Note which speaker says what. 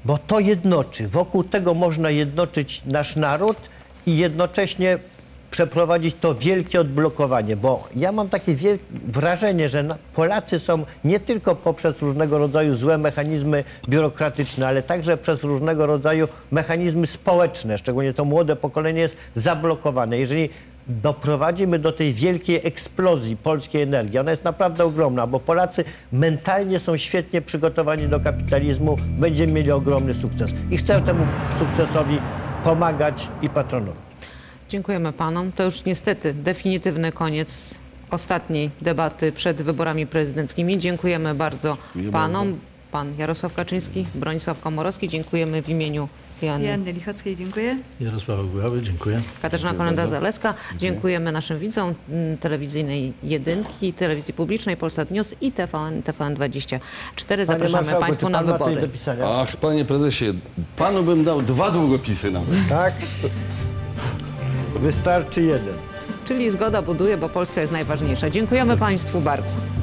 Speaker 1: bo to jednoczy. Wokół tego można jednoczyć nasz naród i jednocześnie przeprowadzić to wielkie odblokowanie, bo ja mam takie wrażenie, że Polacy są nie tylko poprzez różnego rodzaju złe mechanizmy biurokratyczne, ale także przez różnego rodzaju mechanizmy społeczne, szczególnie to młode pokolenie jest zablokowane. Jeżeli doprowadzimy do tej wielkiej eksplozji polskiej energii, ona jest naprawdę ogromna, bo Polacy mentalnie są świetnie przygotowani do kapitalizmu, będziemy mieli ogromny sukces i chcę temu sukcesowi pomagać i patronować.
Speaker 2: Dziękujemy panom. To już niestety definitywny koniec ostatniej debaty przed wyborami prezydenckimi. Dziękujemy bardzo panom. Pan Jarosław Kaczyński, Bronisław Komorowski. Dziękujemy w imieniu
Speaker 3: Joanny Lichockiej, dziękuję.
Speaker 4: Jarosława Buławy, dziękuję.
Speaker 2: Katarzyna Kolenda-Zaleska. Dziękujemy naszym widzom telewizyjnej Jedynki, telewizji publicznej, Polsat News i TVN24. Zapraszamy państwa na wybory.
Speaker 5: Ach, panie prezesie, panu bym dał 2 długopisy nawet.
Speaker 1: Tak? Wystarczy jeden.
Speaker 2: Czyli zgoda buduje, bo Polska jest najważniejsza. Dziękujemy państwu bardzo.